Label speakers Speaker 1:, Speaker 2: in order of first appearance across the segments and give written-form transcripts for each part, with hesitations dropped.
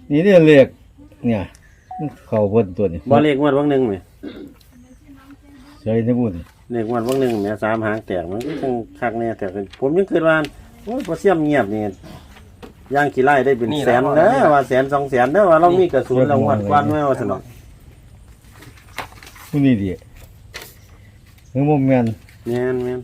Speaker 1: นี่เนี่ยเรียกเนี่ยมันเข้าบนตัวนี่
Speaker 2: บ่เลขงวดวังหนึงแหม
Speaker 1: ใส่ในบุญ
Speaker 2: เลขงวดวังหนึงแหม3หางแตกมันก็จังคักแน่แต่ผมยังคิดว่าโอ้ยบ่เสียมเงียบนี่ย่างขี้ไล่ได้เป็นแสนเด้อว่าแสน2แสนเด้อว่าเรามีกระสุนเรางวดกวนไว้ว่าซั่นเนาะ
Speaker 1: ผู้นี้ดิคือบ่แม่น
Speaker 2: แม่น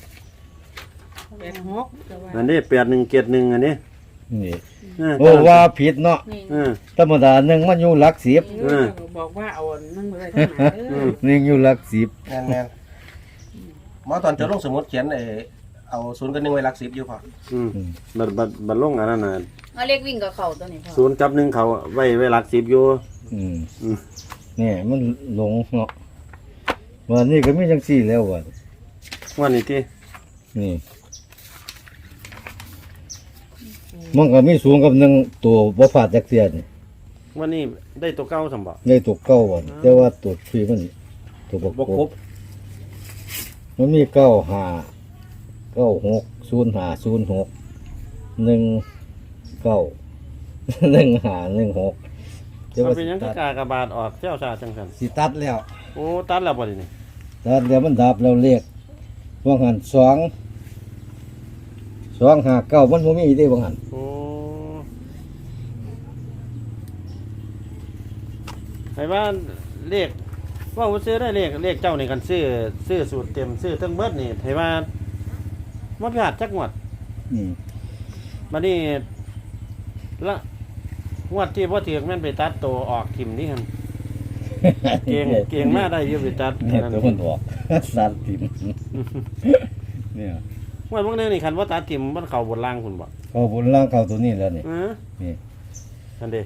Speaker 3: 86
Speaker 2: อันนี้8171อันนี้
Speaker 1: นี่
Speaker 2: เออ
Speaker 1: โอ้ว่าผิดเนาะ
Speaker 3: นี่
Speaker 2: เออ
Speaker 1: ธรรมดาหนึ่งมันอยู่หลักสิบ
Speaker 3: บอกว่าเอานั่งเลยทั้งหลายเด้อ
Speaker 1: หนึ่งอยู่หลักสิบ
Speaker 4: แม่นหมอตอนจดลงสมุดเขียนเอา0 กับ 1ไว้หลัก10อยู่พอ
Speaker 2: บัดลงอันนั้นน่ะ
Speaker 5: เอาเรียกวิ่งกับเขาตัวนี้พ่อ
Speaker 2: 0กับ1เขาไว้หลัก10อยู่
Speaker 1: อืม
Speaker 2: อืม
Speaker 1: เนี่ยมันหลงเนาะวันนี้ก็มีจังสี่แล้ววัน
Speaker 2: วันนี้ที่
Speaker 1: นี่มันก็มีสูงกับหนึ่งตัวบ่พลาดจักเสียนี่
Speaker 2: วันนี้ได้ตัวเก่าสมบ่
Speaker 1: ได้ตัวเก้าวันแต่ว่าตัวฟรีมันตัวบก
Speaker 4: บ่ครบ
Speaker 1: มันมีเก้าห้าเก้าหก05 06 19 15 16แต่
Speaker 2: มัน
Speaker 1: ว่า
Speaker 2: เป็นหยังคือกากระบาดออกเจ้าชาจังซั่น
Speaker 1: สิตัดแล้ว
Speaker 2: โอ้ตัดแล้วบ่ดินี่
Speaker 1: ตัดแล้วมันดับแล้วเรียกว่าหัน259มันบ่มีได้ว่าหัน
Speaker 2: โอ้ไอ้ว่าเลขว่าบ่ซื้อได้เลขเจ้านี่กันซื้อสูตรเต็มซื้อทั้งเบิดนี่ให้ว่าบ่พลาดจักงวด
Speaker 1: อืม
Speaker 2: บัดนี้ละงวดที่บ่ถูกแม่นไปตัดตัวออกทิ่มนี่หั่นเก่งมาได้อยู่ไปตัด
Speaker 1: เนี่ย
Speaker 2: นั่น
Speaker 1: ตัวมันออก สัตว์ทิมเนี่ย
Speaker 2: งวดบางนึงนี่คันว่าตัดทิ่มมันเข้าบนล่างพุ่นบ่
Speaker 1: เขาบนล่างเขาตัวนี้แล้วนี่ นี่
Speaker 2: นั่นเด้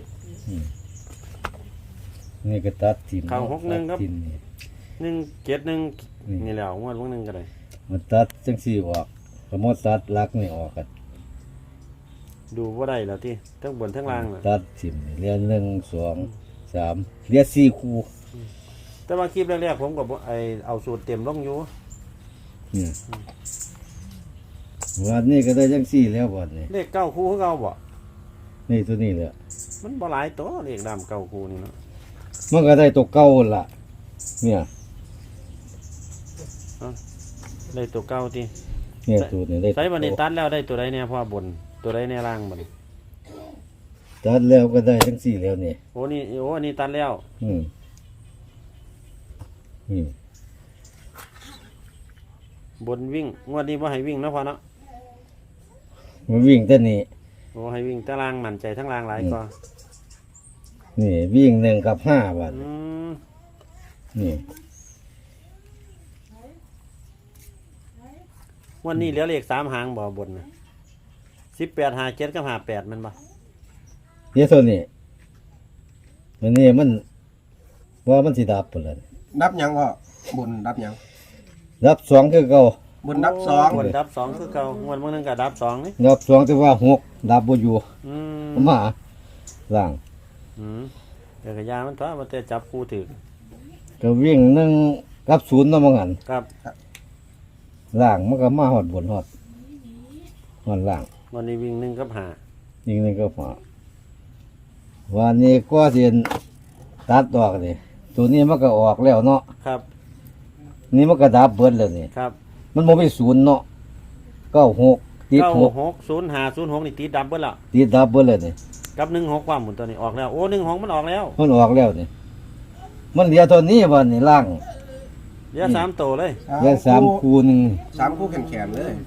Speaker 1: นี่ก็ตัดทิม
Speaker 2: เขา61ครับ
Speaker 1: ตัดทิ่มนี่
Speaker 2: 171นี่แล้วงวดบางนึงก็ได้
Speaker 1: มันตัดจังสี่ออกสมมติตัดลักนี่ออกกัน
Speaker 2: ดูบ่ได้แล้วที่ทั้งบนทั้งล่างน่ะ
Speaker 1: ตัดทิมนี่เรียน1 2 3เรียน4คู่
Speaker 2: แต่ว่าคลิปแรกๆผมก็บ่เอาสูตรเต็มลงอยู่
Speaker 1: เนี่ยวันนี้ก็ได้จังสี่แล้ววันนี้
Speaker 2: เลข9คู่คือเก่าบ่
Speaker 1: นี่ตัวนี้แหละ
Speaker 2: มันบ่หลายตัวเลขดำ9คู่นี่เนาะ
Speaker 1: มันก็ได้ตัวเก่าล่ะ เนี่ย
Speaker 2: ได้ตัวเก่าติ
Speaker 1: เนี่ยตัวนี้ได้
Speaker 2: ใส่บัดนี้ตัดแล้วได้ตัวใดแน่พ่อบนตัวใดแน่ล่างบัดนี้
Speaker 1: ตัดแล้วก็ได้จังสี่แล้วนี่
Speaker 2: โอ้อันนี้ตัดแล้ว
Speaker 1: อืมอืม
Speaker 2: บนวิ่งงวดนี้บ่ให้วิ่งนะพ่อเนาะ
Speaker 1: มันวิ่งแต่นี่
Speaker 2: โอ้ให้วิ่งแต่ล่างมั่นใจทั้งล่างหลายกว่า
Speaker 1: นี่วิ่ง1 กับ 5วัน
Speaker 2: อืม
Speaker 1: นี่
Speaker 2: วันนี้เหลือเลข3หางบ่บนน่ะ18 57กับ58มันบ่
Speaker 1: เดี๋ยวตัวนี้วันนี้มันว่ามันสิดับพุ่นล่ะ
Speaker 4: นับหยังพ่อบุญนับหยัง
Speaker 1: ดับ2คือเก่า
Speaker 4: บุญนับ
Speaker 2: บนดับ2คือเก่างวดบางนึงก็ดับ2นี่
Speaker 1: ดับ2แต่ว่า6ดับบ่อยู่
Speaker 2: อืม
Speaker 1: มาล่าง
Speaker 2: เดี๋ยวก็ยามันตัวมันแต่จับคู่ถือ
Speaker 1: ก็วิ่ง1 กับ 0เนาะว่างั้น
Speaker 2: ครับ
Speaker 1: ล่างมันก็มาฮอดบนฮอดล่าง
Speaker 2: วันนี้วิ่ง1กับ
Speaker 1: ยิง1กับ5วันนี้ก็สิตัดออกนี่ตัวนี้มันก็ออกแล้วเนาะ
Speaker 2: 5ครับ
Speaker 1: นี่มันก็ดับเบิดแล้วนี่
Speaker 2: ครับ
Speaker 1: มันบ่มี0เนาะ96ติด6
Speaker 2: 960506นี่ตีดับเบิดแล้ว
Speaker 1: ติดดับเบิดเลยนี่
Speaker 2: กับ16ความหมุนตัวนี้ออกแล้วโอ้16มันออกแล้ว
Speaker 1: มันออกแล้วนี่มันเหลือตัวนี้วันนี้ล่าง
Speaker 2: เหลือ3ตัวเลย
Speaker 4: 2
Speaker 1: เหลือ3คู่หนึง
Speaker 4: 3คู่แขนๆเลย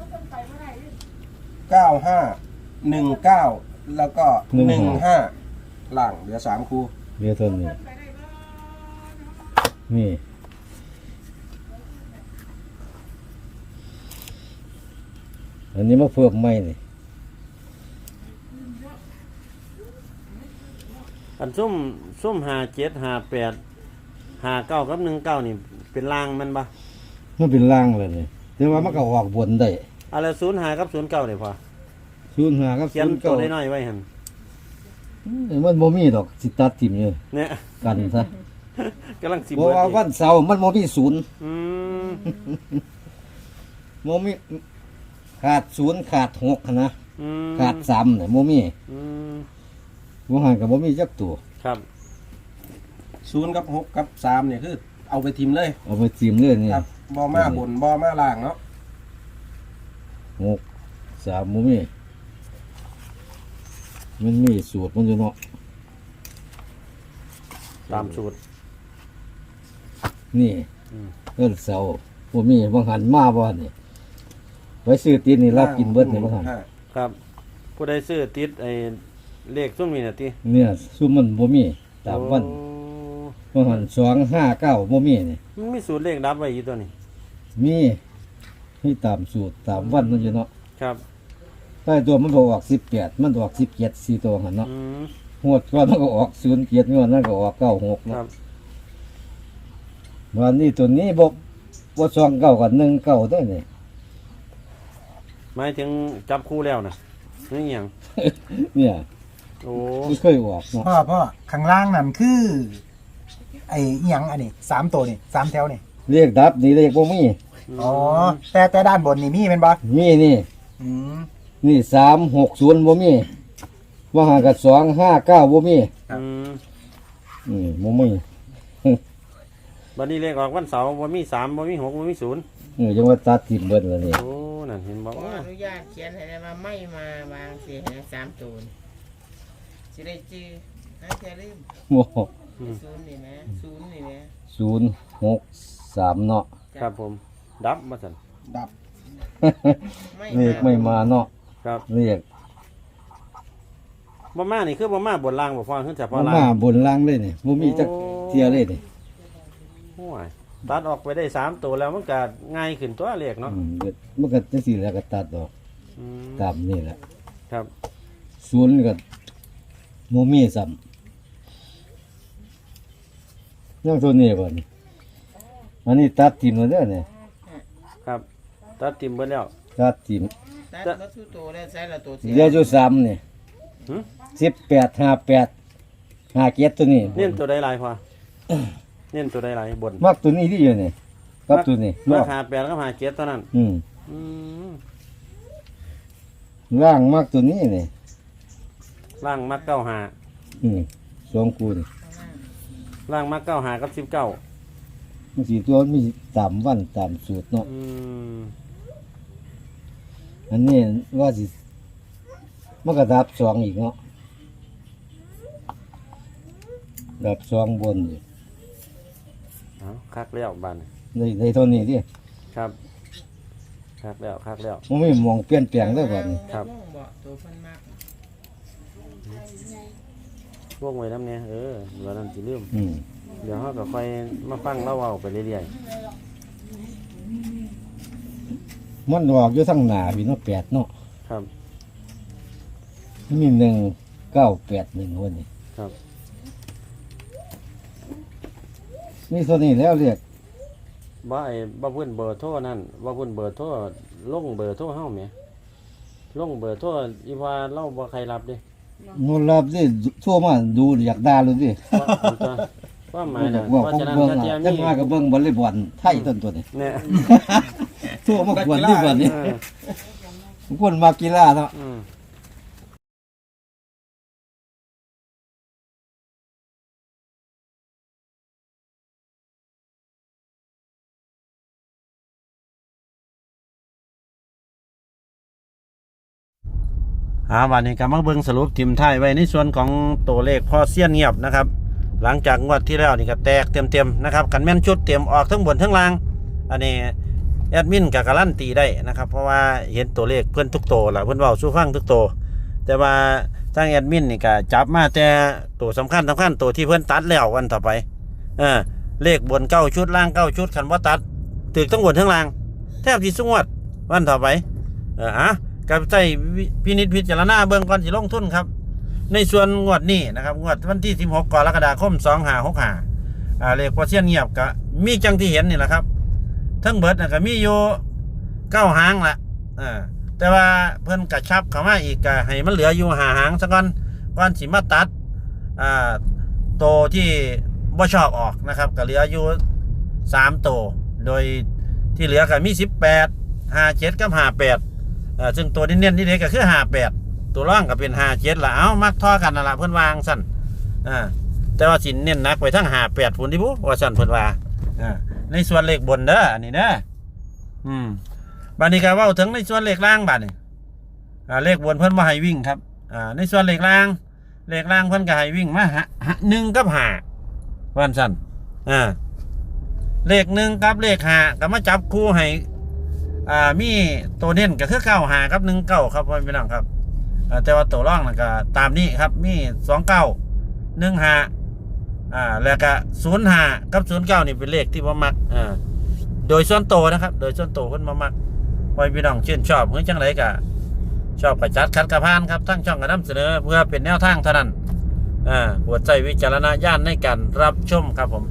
Speaker 4: 9519แล้วก็15หลังเหลือ3คู่
Speaker 1: เหลือตัวนี้นี่อันนี้มาเพิ่มใหม่นี่
Speaker 2: อันซุ่ม57 58 59กับ19นี่เป็นล่างมันบ่
Speaker 1: มันเป็นล่างเลยนี่แต่ว่ามันก็ออกบนได้
Speaker 2: อะไร05กับ09นี่พอ
Speaker 1: 05กับ
Speaker 2: เขียนตัวน้อยๆไว้หั่น
Speaker 1: มันบ่มีดอกสิตัดทิ่มอยู่
Speaker 2: เนี่ย
Speaker 1: กันซะ
Speaker 2: กำลังสิ
Speaker 1: เพราะ
Speaker 2: เบิด
Speaker 1: ว่า
Speaker 2: อีก
Speaker 1: วันเสาร์มันบ่มีศูนย์
Speaker 2: อืม
Speaker 1: บ่มีขาด0ขาด6นะ
Speaker 2: อืม
Speaker 1: ขาด3น่ะบ่มี
Speaker 2: อืม
Speaker 1: ว่าหันกับบ่มีจักตัว
Speaker 2: ครับ
Speaker 4: ศูนย์กับ6กับ3เนี่ยคือเอาไปทิมเลย
Speaker 1: เอาไปจิ้มเรื่อยนี่
Speaker 4: ครับบ่มาบนบ่มาล่างเนาะ
Speaker 1: 6 3บ่มีมันมีสูตรมันอยู่เนาะ
Speaker 2: ตามสูตร
Speaker 1: นี่
Speaker 2: อืม
Speaker 1: เอิ้นเสาบ่มีบางหันมาบ่นี่ไว้ซื้อตีนนี่รับกินเบิดนี่บางหัน
Speaker 2: ครับ ผู้ใดซื้อติดไอ้เลขซุ่มนี่น่ะติ
Speaker 1: เนี่ยซุมมันบ่มีตามวัน
Speaker 2: โอ้
Speaker 1: บางหัน259บ่มีนี่
Speaker 2: มันมีสูตรเลขดับไว้อยู่ตัวนี้
Speaker 1: มีตามสูตรตามวันมันอยู่เนาะ
Speaker 2: ครับ
Speaker 1: ใต้ตัวมันบ่ออก18มันออก17 4ตัวหั่นเนาะ
Speaker 2: อืม
Speaker 1: งวดก่อนมันก็ออก07งวดนั้นก็ออก96
Speaker 2: ค
Speaker 1: เนาะ
Speaker 2: รับ
Speaker 1: วันนี้ตัวนี้บ่29กับ19ได้นี่
Speaker 2: หมายถึงจับคู่แล้วน่ะนี่หยัง
Speaker 1: เนี่ย
Speaker 2: โอ้
Speaker 1: ไม่เคยออกเนาะ
Speaker 6: พ่อข้างล่างนั่นคือ ไอ้อิหยังอันนี้3ตัวนี่3แถวนี่
Speaker 1: เรียกดับนี่เรียกบ่มี
Speaker 6: อ๋อแต่ด้านบนนี่มีเป็นบ่
Speaker 1: มีนี่
Speaker 6: อืม
Speaker 1: นี่360บ่มีว่าหากับ259บ่มี
Speaker 2: อืม
Speaker 1: บ่มี
Speaker 2: บัดนี้เลขออกวันเสาร์บ่มี3บ่มี6บ่มี0
Speaker 1: จังว่าตัดทิ่มเบิดแล้วนี่
Speaker 2: โอ้นั่นเห็นบ่
Speaker 3: ขออนุญาตเขียนให้ได้ว่าไม่มาวางสิให้3ตัวนี่สิได้จื้อหาแค่ลืม
Speaker 1: บ่
Speaker 3: ศูนย์นี่นะศูนย์นี่นะ
Speaker 1: 063เนาะ
Speaker 2: ครับผม ดับมาสั่น
Speaker 4: ดับ
Speaker 1: เรียกไม่มาเนาะ
Speaker 2: ครับ
Speaker 1: เรียก
Speaker 2: บ่มานี่คือบ่มาบนล่างบ่ฟังขึ้นแต่พอ
Speaker 1: มา
Speaker 2: ล่าง
Speaker 1: มาบนล่างเลยนี่บ่มีจักเที่ยเลยนี่
Speaker 2: โอ้ยตัดออกไปได้3ตัวแล้วมันก็ง่ายขึ้นตัวเลขเนาะ
Speaker 1: มันก็จังซี่แหล้วก็ตัดออก
Speaker 2: อืม
Speaker 1: ตามนี่แหละ
Speaker 2: ครับ
Speaker 1: ศูนย์ก็บ่มีซ้ำยังตัวนี้บ่นี่อันนี้ตัดทิ่มแล้วเด้อนี่
Speaker 2: ครับ ตัดทิมเบิดแล้ว
Speaker 1: ตัดทิ่ม
Speaker 3: ตัดมาสู่ตัวแล้วใส่ละตัวเสีย
Speaker 1: เหลืออยู่3นี่
Speaker 2: หึ
Speaker 1: 18 58 57ตัวนี้
Speaker 2: เน้นตัวใดหลายพอเน้นตัวใดหลายบน
Speaker 1: มักตัวนี้ที่อยู่นี่กับตัวนี้
Speaker 2: รา
Speaker 1: เนาะ
Speaker 2: คา8กับ57เท่านั้น
Speaker 1: อืม
Speaker 2: อืม
Speaker 1: ร่างมักตัวนี้นี่
Speaker 2: ล่างมัก95
Speaker 1: สองคู่นี่
Speaker 2: ล่างมัก95กับ19
Speaker 1: มันสิตัวมันมีตามวันตามสูตรเนาะ
Speaker 2: อืม
Speaker 1: อันนี้ว่าสิมันก็ดับสองอีกเนาะดับสองบนอยู่
Speaker 2: เอาคักแล้วบาน
Speaker 1: ในเท่านี้ดิ
Speaker 2: ครับคักแล้วคักแล้ว
Speaker 1: มันไม่มองเปลี่ยนแปลงเลยบัดนี้
Speaker 2: ครับ
Speaker 3: บ่ตัวเพิ่นมาก
Speaker 2: พวกไว้น้ำเนี่ยเดี๋ยวนั้นสิลืม
Speaker 1: อืม
Speaker 2: เดี๋ยวเราก็ค่อยมาฟังเล่าเอาไปเรื่อย
Speaker 1: มันออกอยู่ทั้งหน้าพี่เนาะ8เนาะ
Speaker 2: ๆครับ
Speaker 1: มี1981วันนี้
Speaker 2: ครับ
Speaker 1: นี่ตัวนี้แล้วเรียก
Speaker 2: บ่เพิ่นเบอร์โทรนั่นบ่เพิ่นเบอร์โทรลงเบอร์โทรเฮาแหมลงเบอร์โทรอีว่าเราบ่ใครรับเด้
Speaker 1: นูรับดิทั่วมาดูอยากด่าเลยดิ
Speaker 2: ว่าหมาย
Speaker 1: อ
Speaker 2: น่ะ
Speaker 1: ยากบอก
Speaker 2: เพราะ
Speaker 1: ของ
Speaker 2: ฉะนั้น
Speaker 1: เบิ่ง
Speaker 2: ถ้า
Speaker 1: อ่ะ
Speaker 2: เทีย
Speaker 1: จังว่าก็เบิ่งวอลเลย์บอลไทยต้นตัวนี้
Speaker 2: เนี่ย
Speaker 1: ทั่วมากวนที่บอลนี่
Speaker 2: เออ
Speaker 1: คนมากีฬาเนาะ
Speaker 2: อืมวันนี้ก็มาเบิ่งสรุปทีมไทยไว้ในส่วนของตัวเลขพอเสี้ยนเงียบนะครับ หลังจากงวดที่แล้วนี่ก็แตกเต็มๆนะครับกันแม่นชุดเต็มออกทั้งบนทั้งล่าง อันนี้แอดมินกับการันตีได้นะครับ เพราะว่าเห็นตัวเลขเพื่อนทุกตัวแหละเพื่อนเว้าสู้ฟังทุกตัวแต่ว่าทางแอดมินนี่ก็จับมาแต่ตัวสำคัญตัวที่เพื่อนตัดแล้ววันต่อไปเลขบน9ชุดล่าง9ชุดคันว่าตัดตึกทั้งบนทั้งล่างแทบที่สุงวดวันต่อไปกับใจพินิจพิจารณาเบื้องก่อนสิลงทุนครับในส่วนงวดนี้นะครับงวดวันที่16กรกฎาคม2565เลขพอเสี้ยนเงียบก็มีจังที่เห็นนี่แหละครับทั้งเบิดนะก็มีอยู่9หางละแต่ว่าเพิ่นกระชับเข้ามาอีกก็ให้มันเหลืออยู่5หางซะก่อนสิมาตัดโตวที่บ่ชอบออกนะครับก็เหลืออยู่3โตวโดยที่เหลือก็มี18 57กับ58ซึ่งตัวเน้นๆนี่เด็กก็คือ58 ตัวร่องก็เป็น57ละเอ้ามักท่อกันนั่นล่ะเพิ่นวางซั่นแต่ว่าสิเน้นหนักไปทั้ง58พุ่นที่ผู้ว่าซั่นเพิ่นว่าในส่วนเลขบนเด้ออันนี้เด้อบัดนี้ก็เว้าถึงในส่วนเลขล่างบัดนี้เลขบนเพิ่นบ่ให้วิ่งครับในส่วนเลขล่างเพิ่นก็ให้วิ่งมา1กับ5ว่าซั่นเลข1กับเลข5ก็มาจับคู่ให้มีตัวเน้นก็คือ95กับ19ครับพี่น้องครับแต่ว่าตัวร่องนั่นก็ตามนี้ครับมี29 15แล้วก็05กับ09นี่เป็นเลขที่บ่มักโดยส่วนตัวนะครับโดยส่วนตัวเพิ่นบ่มักพี่น้องชื่นชอบเฮ้ยจังไดก็ชอบประจัดคัดกระพานครับทั้งช่องกระนำเสนอเพื่อเป็นแนวทางเท่านั้นโปรดใช้วิจารณญาณในการรับชมครับผม